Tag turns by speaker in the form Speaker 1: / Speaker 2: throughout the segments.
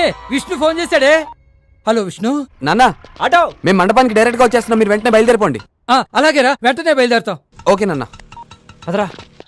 Speaker 1: Vishnu phone చేశాడే. Hello Vishnu.
Speaker 2: నాన్న auto మేము మండపానికి డైరెక్ట్ గా వచ్చేస్తున్నాం, మీరు వెంటనే బయలుదేరిపోండి.
Speaker 1: అలాగేరా, వెంటనే బయలుదేరుతాం.
Speaker 2: ఓకే నాన్న.
Speaker 1: అదరా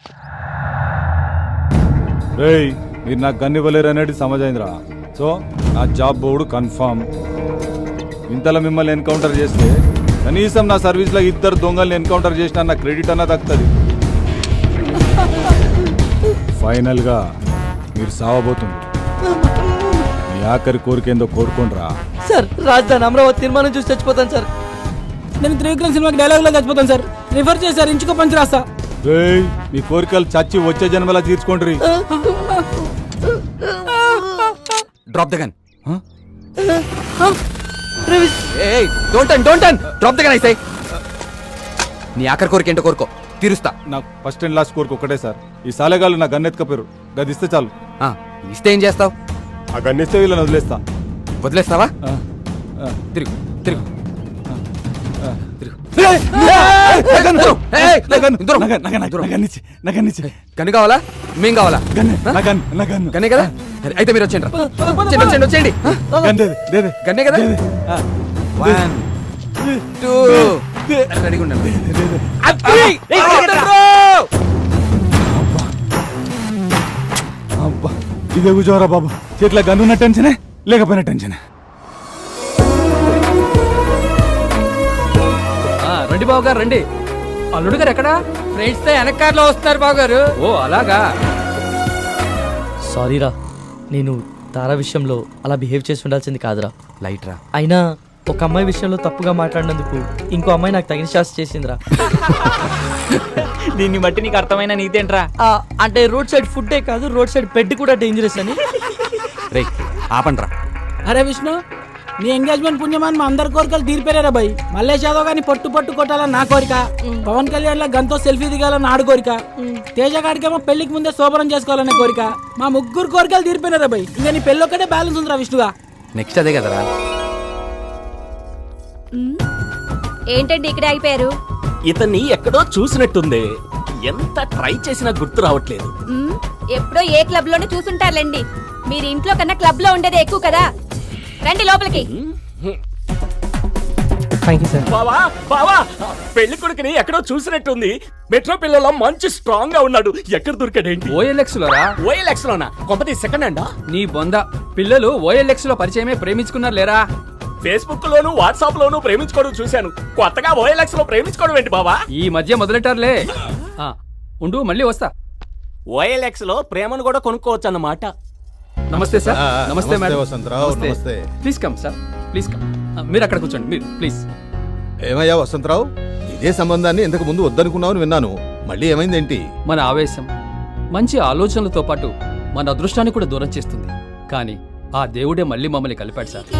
Speaker 3: రేయ్, మీరు నాకు గన్ ఇవ్వలేరు అనేది సమజైందిరా. సో నా జాబ్ బోర్డు కన్ఫర్మ్. ఇంతలో మిమ్మల్ని ఎన్కౌంటర్ చేస్తే కనీసం నా సర్వీస్లో 2 దొంగల్ని ఎన్కౌంటర్ చేసినా నా క్రెడిట్ అన్నా దక్కుతుంది. ఫైనల్గా మీరు సావబోతుంది. మీ ఆఖరి కోరికేందో కోరుకోండిరా.
Speaker 4: సార్ రాజధాని అమరావతి తీర్మానం చూసి చచ్చిపోతాను సార్.
Speaker 5: నేను త్రివిక్రమ్ సినిమాకి డైలాగ్ లో చచ్చిపోతాను సార్. రిఫర్ చేశారు, ఇంచుకో పంచి రాస్తా.
Speaker 3: రేయ్, మీ కోరికలు చచ్చి వచ్చే జన్మలా తీర్చుకోండి.
Speaker 2: Drop the gun. ఏయ్ don't turn drop the gun I say. నీ ఆఖరి కోరిక ఏంటో కోరుకో, తీరుస్తా.
Speaker 3: నాకు ఫస్ట్ అండ్ లాస్ట్ కోరిక ఒకటే సార్. ఈ సాలెగాళ్ళు నా గన్ ఎత్తుకపోయారు, గది ఇస్తే చాలు.
Speaker 2: ఇస్తే ఏం చేస్తావు?
Speaker 3: ఆ గన్ ఇస్తే వీళ్ళని వదిలేస్తా.
Speaker 2: వదిలేస్తావా? తిరుగు తిరుగు. గన్ను కావాలా? మేం కావాలా? గన్నే కదా, అయితే మీరు వచ్చేయండి. వచ్చేయండి. గన్నే కదా. 1 2 రెడీగా ఉండండి.
Speaker 3: ఇదే కూర్చోరా బాబు. చేతిలో గన్నున్న టెన్షనే, లేకపోయినా టెన్షనే.
Speaker 1: రండి బాబు గారు, రండి. అల్లుడు గారు ఎక్కడా? ఫ్రెండ్స్ తో వెనకారులో వస్తున్నారు బాబు గారు. ఓ అలాగా.
Speaker 4: సారీరా, నేను తారా విషయంలో అలా బిహేవ్ చేసి ఉండాల్సింది కాదురా.
Speaker 2: లైట్ రా.
Speaker 4: అయినా ఒక అమ్మాయి విషయంలో తప్పుగా మాట్లాడినందుకు ఇంకో అమ్మాయి నాకు తగిన శాస్తి చేసిందిరా.
Speaker 5: దీన్ని బట్టి నీకు అర్థమైన నీతేంట్రా?
Speaker 4: అంటే రోడ్ సైడ్ ఫుడ్డే కాదు, రోడ్ సైడ్ బెడ్ కూడా డేంజరస్ అని.
Speaker 2: రే ఆపండ్రా.
Speaker 5: అరే విష్ణు, నీ ఎంగేజ్మెంట్ పుణ్యమాన్ మా అందరి కోరికలు తీరిపోయారా భయ్. మల్లేష్ యాదవ్ గాని పట్టు కొట్టాలని నా కోరిక, పవన్ కళ్యాణ్ లా గంతో సెల్ఫీ దిగాలని ఆడు కోరిక, తేజ గాడికేమో పెళ్లికి ముందే శోభనం చేసుకోవాలనే కోరిక. మా ముగ్గురు కోరికలు తీరిపోయినారా భయ్. ఇంకా నీ పెళ్ళి ఒక్కటే బ్యాలెన్స్ ఉందిరా విష్ణుగా.
Speaker 2: నెక్స్ట్ అదే కదరా.
Speaker 6: ఏంటండి ఇక్కడ అయిపోయారు?
Speaker 7: ఇతన్ని ఎక్కడో చూసినట్టుంది, ఎంత ట్రై చేసినా గుర్తు రావట్లేదు.
Speaker 6: ఎప్పుడో ఏ క్లబ్ లోనే చూసుంటారులేండి. మీరు ఇంట్లో కన్నా క్లబ్ లో ఉండేది ఎక్కువ కదా. రండి లోపలికి.
Speaker 7: బావా బావా, పెళ్లి కొడుకుని ఎక్కడో చూసినట్టుంది. మెట్రో పిల్లల మంచి స్ట్రాంగ్ గా ఉన్నాడు. ఎక్కడ దొరికాడేంటి?
Speaker 1: OLX లోరా?
Speaker 7: OLX లోనా? కొంపతి సెకండ్ హ్యాండా?
Speaker 1: నీ బొంద. పిల్లలు OLX లో పరిచయమే ప్రేమించుకున్నారు లేరా?
Speaker 7: ఫేస్బుక్ లోను వాట్సాప్ లోను ప్రేమించుకోవడం చూశాను. కొత్తగా OLX లో ప్రేమించుకోవడం ఏంటి బావా?
Speaker 1: ఈ మధ్య మొదలెట్టారులే. ఉండు, మళ్ళీ వస్తా.
Speaker 7: OLX లో ప్రేమను కూడా కొనుక్కోవచ్చు అన్నమాట.
Speaker 1: నమస్తే సార్. నమస్తే మేడం.
Speaker 8: వసంతరావు, నమస్తే.
Speaker 1: Please come sir, please come. మీరు అక్కడ కూర్చోండి, మీరు ప్లీజ్.
Speaker 8: ఏమయ్యా వసంతరావు, ఇదే సంబంధాన్ని ఇంతకు ముందు వద్దనుకున్నావు విన్నాను. మళ్ళీ ఏమైందేంటి?
Speaker 1: మన ఆవేశం మంచి ఆలోచనలతో పాటు మన అదృష్టాన్ని కూడా దూరం చేస్తుంది. కానీ ఆ దేవుడే మళ్ళీ మమ్మల్ని కలిపాడు సార్.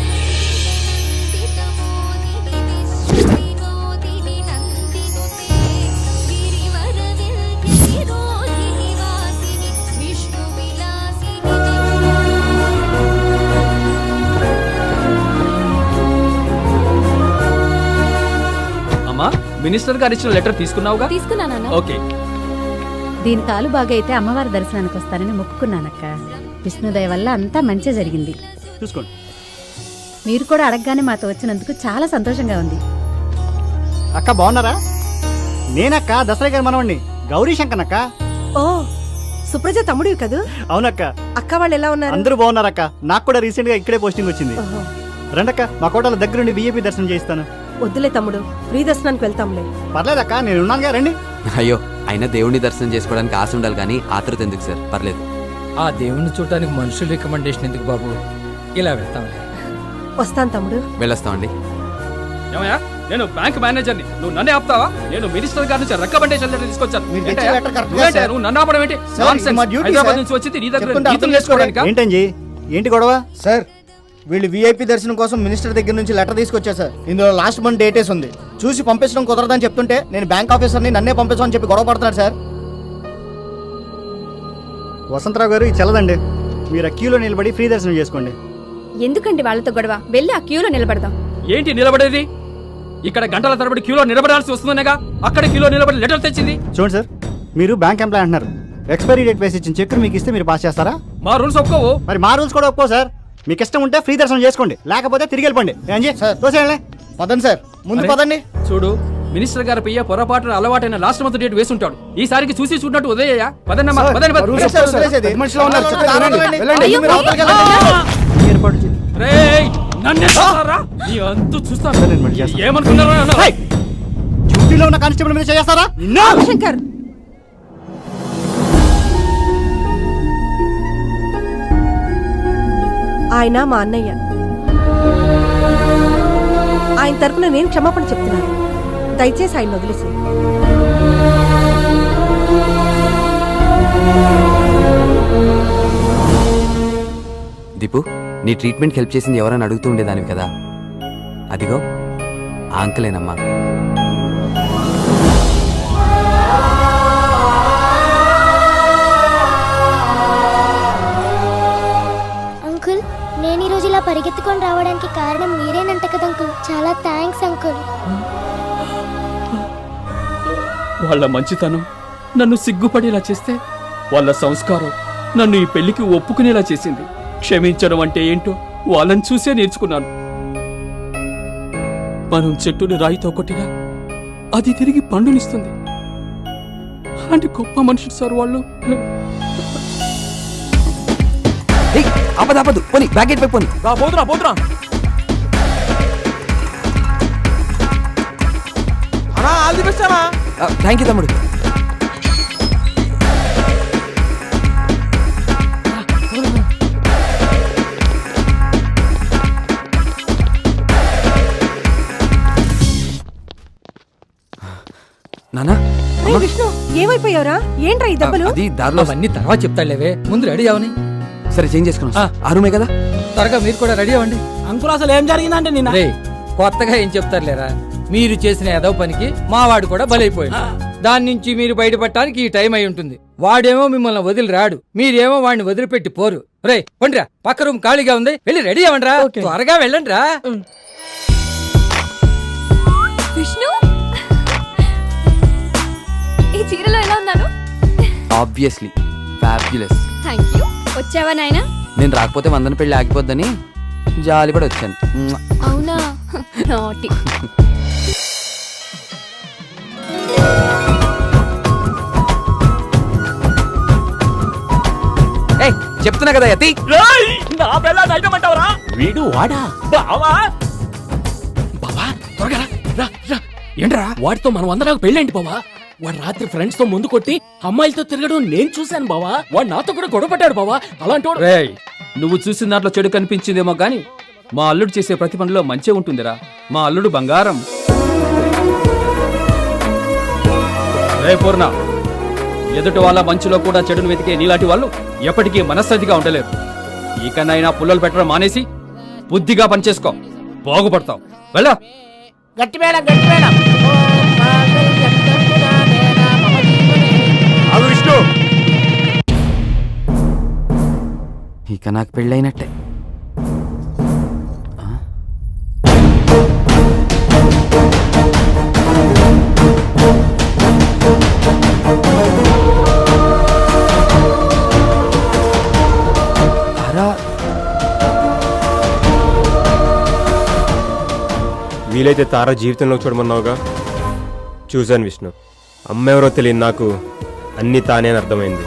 Speaker 1: మినిస్టర్ గారు ఇచ్చిన లెటర్ తీసుకున్నావుగా?
Speaker 6: తీసుకున్నానా?
Speaker 1: ఓకే.
Speaker 9: దీని కాలు బాగా అయితే అమ్మవారి దర్శనానికి వస్తానని మొక్కుకున్నానక్క. విష్ణుదయ వల్ల అంతా మంచి జరిగింది.
Speaker 7: చూసుకోండి.
Speaker 9: మీరు కూడా అడగగానే మాతో వచ్చినందుకు చాలా సంతోషంగా ఉంది.
Speaker 5: అక్క బాగున్నారా? నేనక్క దసరా గారి మనవండి, గౌరీ శంకర్ అక్క.
Speaker 9: ఓ సుప్రజ తమ్ముడివి కదూ?
Speaker 5: అవునక్క.
Speaker 9: అక్క వాళ్ళు ఎలా ఉన్నారు?
Speaker 5: అందరూ బాగున్నారక్క. నాకు కూడా రీసెంట్ గా ఇక్కడే పోస్టింగ్ వచ్చింది. రండక్క, మా కోటల దగ్గరుండి VIP దర్శనం చేయిస్తాను.
Speaker 9: వద్దులే తమ్ముడు, ఫ్రీ దర్శనానికి వెళ్తాంలే.
Speaker 5: పర్లేదక్క, నేను ఉన్నానుగా, రండి.
Speaker 2: అయ్యో, అయినా దేవుడిని దర్శనం చేసుకోవడానికి ఆశ ఉండాలి కానీ ఆతృత ఎందుకు సార్? పర్లేదు.
Speaker 1: ఆ దేవుణ్ణి చూడటానికి మనుషుల రికమెండేషన్ ఎందుకు బాబు? ఇలా వెళ్తాంలే.
Speaker 9: వస్తాను తమ్ముడు.
Speaker 2: వెళ్ళొస్తామండి.
Speaker 1: ఏమయ్యా, నేను బ్యాంక్ మేనేజర్ని, నువ్వు నన్నే ఆపుతావా? నేను మినిస్టర్ గారి నుంచి రికమెండేషన్ లెటర్ తీసుకొచ్చాను. నువ్వు నన్ను ఆపడం ఏంటి? హైదరాబాద్ నుంచి వచ్చింది నీ దగ్గర నీతులు చేసుకోవడానికా?
Speaker 5: ఏంటండి, ఏంటి గొడవ?
Speaker 10: సార్, వీళ్ళు VIP దర్శనం కోసం మినిస్టర్ దగ్గర నుంచి లెటర్ తీసుకొచ్చా సార్. ఇందులో లాస్ట్ మంత్ డేటేస్ ఉంది. చూసి పంపించడం కుదరదని చెప్తుంటే నేను బ్యాంక్ ఆఫీసర్ని నన్నే పంపించమని చెప్పి గొడవ పడుతున్నాడు సార్.
Speaker 5: వసంతరావు గారు, ఇది చల్లదండి. మీరు ఆ క్యూలో నిలబడి ఫ్రీ దర్శనం చేసుకోండి.
Speaker 6: ఎందుకండి వాళ్ళతో గొడవ? వెళ్ళి ఆ క్యూలో నిలబడదాం.
Speaker 1: ఏంటి నిలబడేది? ఇక్కడ గంటల తరబడి క్యూలో నిలబడాల్సి వస్తుందనేగా అక్కడ క్యూలో నిలబడి లెటర్ తెచ్చింది.
Speaker 5: చూడండి సార్, మీరు బ్యాంక్ ఎంప్లాయ్ అంటున్నారు. ఎక్స్పైరీ డేట్ వేసి ఇచ్చిన చెక్ మీకు ఇస్తే మీరు పాస్ చేస్తారా?
Speaker 1: మా రూల్స్ ఒప్పుకోవు.
Speaker 5: మరి మా రూల్స్ కూడా ఒప్పుకో సార్.
Speaker 10: మీకు ఇష్టం ఉంటే ఫ్రీ దర్శనం చేసుకోండి, లేకపోతే తిరిగి వెళ్ళిపోండి. తోసేయండి. పదండి సార్, ముందు
Speaker 1: అరే,
Speaker 10: పదండి.
Speaker 1: చూడు మినిస్టర్ గారి పయ్య పొరపాటున అలవాటైన లాస్ట్ మంత్ డేట్ వేసుంటాడు. ఈసారికి చూసి చూడనట్టు ఉదయ్యా. పదండి అమ్మా, పదండి, పదండి.
Speaker 4: ఏర్పాటు చేయి.
Speaker 1: రేయ్, నన్నే చూస్తారా? నీ అంతు చూస్తాను. ఏమనుకున్నారా నన్ను?
Speaker 10: డ్యూటీలో ఉన్న కానిస్టేబుల్ మీద చేస్తారా?
Speaker 6: శంకర్
Speaker 11: ఆయన మా అన్నయ్య. ఆయన తరపున నేను క్షమాపణ చెప్తున్నాను. దయచేసి ఆయన వదిలేసి.
Speaker 2: దీపు, నీ ట్రీట్మెంట్ హెల్ప్ చేసింది ఎవరైనా అడుగుతూ ఉండేదానివి కదా, అదిగో ఆ అంకులేనమ్మా.
Speaker 12: అంకుల్, నేను ఈరోజు ఇలా పరిగెత్తుకొని రావడానికి కారణం మీరేనంట కదా అంకుల్. చాలా థ్యాంక్స్ అంకుల్.
Speaker 1: వాళ్ళ మంచితనం నన్ను సిగ్గుపడేలా చేస్తే, వాళ్ళ సంస్కారం నన్ను ఈ పెళ్లికి ఒప్పుకునేలా చేసింది. క్షమించడం అంటే ఏంటో వాళ్ళని చూసే నేర్చుకున్నాను. మనం చెట్టుని రాయితో కొట్టినా అది తిరిగి పండునిస్తుంది. అలాంటి గొప్ప మనుషులు సార్ వాళ్ళు.
Speaker 2: ఆపదు పోనీ, బ్యాకెట్ పై పోనీ.
Speaker 7: పోతురా పోతురా. ఆల్ ది బెస్ట్ అన్నా.
Speaker 2: థ్యాంక్ యూ తమ్ముడు. నానా,
Speaker 11: విష్ణు, ఏమైపోయావురా? ఏంట్రా ఈ దెబ్బలు?
Speaker 2: అది దారిలో.
Speaker 4: అవన్నీ తర్వాత చెప్తాడులేవే, ముందు రెడీ అవని.
Speaker 2: సరే, చేంజ్ చేసుకున్నా. ఆ రూమే కదా.
Speaker 4: త్వరగా మీరు కూడా రెడీ అవ్వండి.
Speaker 5: అంకుల్ అసలు ఏం జరిగిందంటే నిన్న
Speaker 4: రే, కొత్తగా ఏం చెప్తారులేరా, మీరు చేసిన ఏదో పనికి మావాడు కూడా బలైపోయాడు. దాని నుంచి మీరు బయటపడటానికి ఈ టైం అయి ఉంటుంది. వాడేమో మిమ్మల్ని వదిలి రాడు, మీరేమో వాడిని వదిలిపెట్టి పోరు. రే పండిరా, పక్క రూమ్ ఖాళీగా ఉంది, వెళ్ళి రెడీ అవ్వండిరా. త్వరగా వెళ్ళండి రా.
Speaker 6: విష్ణు, ఈ చీరలో ఎలా ఉన్నాను?
Speaker 2: Obviously fabulous.
Speaker 6: Thank you. వచ్చావా నాయనా?
Speaker 2: నేను రాకపోతే వందన పెళ్లి ఆగిపోద్దని జాలి పడి వచ్చాను.
Speaker 6: అవునా? నాటి.
Speaker 2: ఏయ్, చెప్తున్నా కదా యతి.
Speaker 7: నా బెల్ల నైటమంటావరా? వీడు వాడా? బావా బావా, త్వరగా రా, రా. ఏంట్రా వాడితో మనం అందరం పెళ్ళేంటి బావా? వాడు రాత్రి ఫ్రెండ్స్ తో ముందు కొట్టి అమ్మాయిలతో తిరగడం నేను చూశాను బావా. వాడు నాతో కూడా గొడవ పడ్డాడు బావా. అలాంటి వాడు.
Speaker 1: రేయ్, నువ్వు చూసిన దాంట్లో చెడు కనిపించిందేమో గాని మా అల్లుడు చేసే ప్రతి పనిలో మంచి ఉంటుందిరా. మా అల్లుడు బంగారం. రే పూర్ణ, ఎదుటి వాళ్ళ మంచులో కూడా చెడును వెతికే నీలాంటి వాళ్ళు ఎప్పటికీ మనశ్శాంతిగా ఉండలేరు. ఇకనైనా పుల్లలు పెట్టడం మానేసి బుద్ధిగా పనిచేసుకో, బాగుపడతావు. వెళ్ళా.
Speaker 5: గట్టి మేడం, గట్టి మేడం.
Speaker 7: విష్ణు,
Speaker 2: ఇక నాకు పెళ్ళైనట్టే.
Speaker 13: వీలైతే తార జీవితంలో చూడమన్నావుగా, చూశాను విష్ణు. అమ్మెవరో తెలియని నాకు అన్నీ తానే అని అర్థమైంది.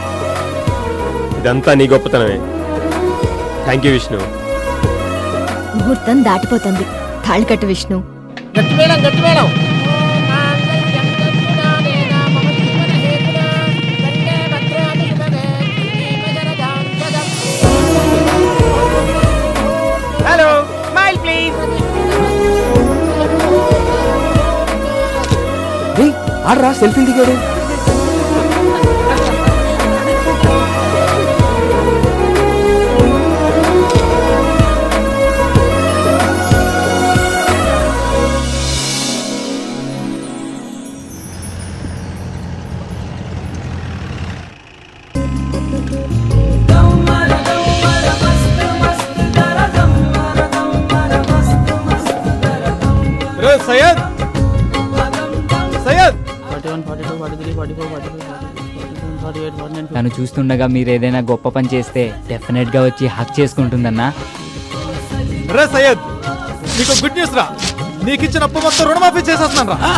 Speaker 13: ఇదంతా నీ గొప్పతనమే. Thank you Vishnu.
Speaker 12: ముహూర్తం దాటిపోతుంది. తాళి కట్టు విష్ణు.
Speaker 5: గట్టి మేడం, గట్టి మేడం. Hello, smile please.
Speaker 2: ఆడరా, సెల్ఫీ దిగాడు.
Speaker 10: సయ్యద్, సయ్యద్.
Speaker 5: 41, 42, 43, 44, 45, 46, 47, తను చూస్తుండగా మీరు ఏదైనా గొప్ప పని చేస్తే డెఫినెట్ గా వచ్చి హక్ చేసుకుంటుందన్నా.
Speaker 3: రే సయ్యద్, నీకు గుడ్ న్యూస్ రా. నీకు ఇచ్చిన అప్పు మొత్తం రుణమాఫీ చేసేస్తున్నాను రా.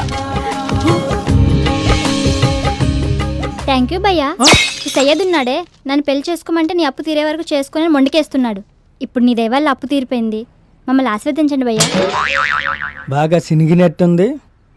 Speaker 12: థ్యాంక్ యూ భయ్యా. ఈ సయ్యద్ ఉన్నాడే, నన్ను పెళ్లి చేసుకోమంటే నీ అప్పు తీరే వరకు చేసుకుని మొండికేస్తున్నాడు. ఇప్పుడు నీ దయవల్ల అప్పు తీరిపోయింది. మమ్మల్ని ఆశీర్వదించండి భయ్యా.
Speaker 4: బాగా సినిగినట్టుంది.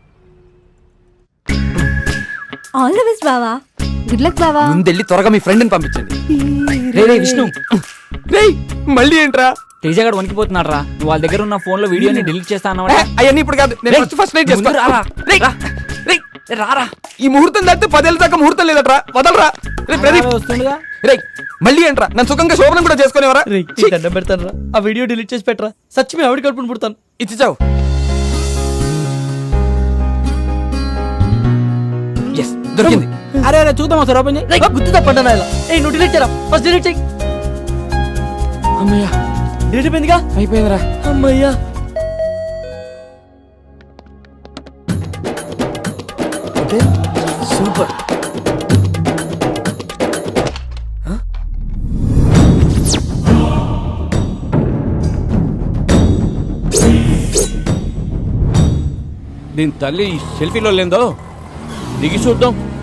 Speaker 11: ఆల్ ది బెస్ట్ బావా. గుడ్ లక్ బావా.
Speaker 2: ముందెళ్ళి త్వరగా మీ ఫ్రెండ్ని పంపించండి.
Speaker 5: రే విష్ణు,
Speaker 13: రేయ్ మళ్ళీ ఏంట్రా?
Speaker 5: తేజగాడు వణికిపోతున్నాడు రా. నువ్వు వాళ్ళ దగ్గర ఉన్న ఫోన్ లో వీడియోని డిలీట్ చేస్తా అన్నమాట.
Speaker 13: అవన్నీ ఇప్పుడు కాదు, నేను ఫస్ట్ నైట్ చేసుకో.
Speaker 5: రారా,
Speaker 13: ఈ ముహూర్తం దాటితే 10 ఏళ్ళ దాకా ముహూర్తం లేదట్రా. వదలరా. రే ప్రదీప్,
Speaker 5: వస్తుండగా
Speaker 13: రేయ్ మళ్ళీ ఏంట్రా? నన్ను సుఖంగా శోభనం కూడా చేసుకునేవరా?
Speaker 5: దండం పెడతాను రా. ఆ వీడియో డిలీట్ చేసి పెట్టరా. సచ్చిమే ఆవిడ కడుపుని పుడతాను.
Speaker 13: ఇచ్చావు.
Speaker 2: దొరికింది.
Speaker 5: అరే అరే చూద్దాం సార్, ఓపెన్ చేయి. గుర్తు తప్పండి ఇలా. ఏ నువ్వు డిలీట్ చేయరా, ఫస్ట్ డిలీట్ చేయి.
Speaker 13: అమ్మయ్యా,
Speaker 5: డిలీట్ అయిపోయిందిగా.
Speaker 13: అయిపోయిందిరా.
Speaker 5: అమ్మయ్యా. సూపర్.
Speaker 7: దీని తల్లి సెల్ఫీలో లేదో దిగి చూద్దాం.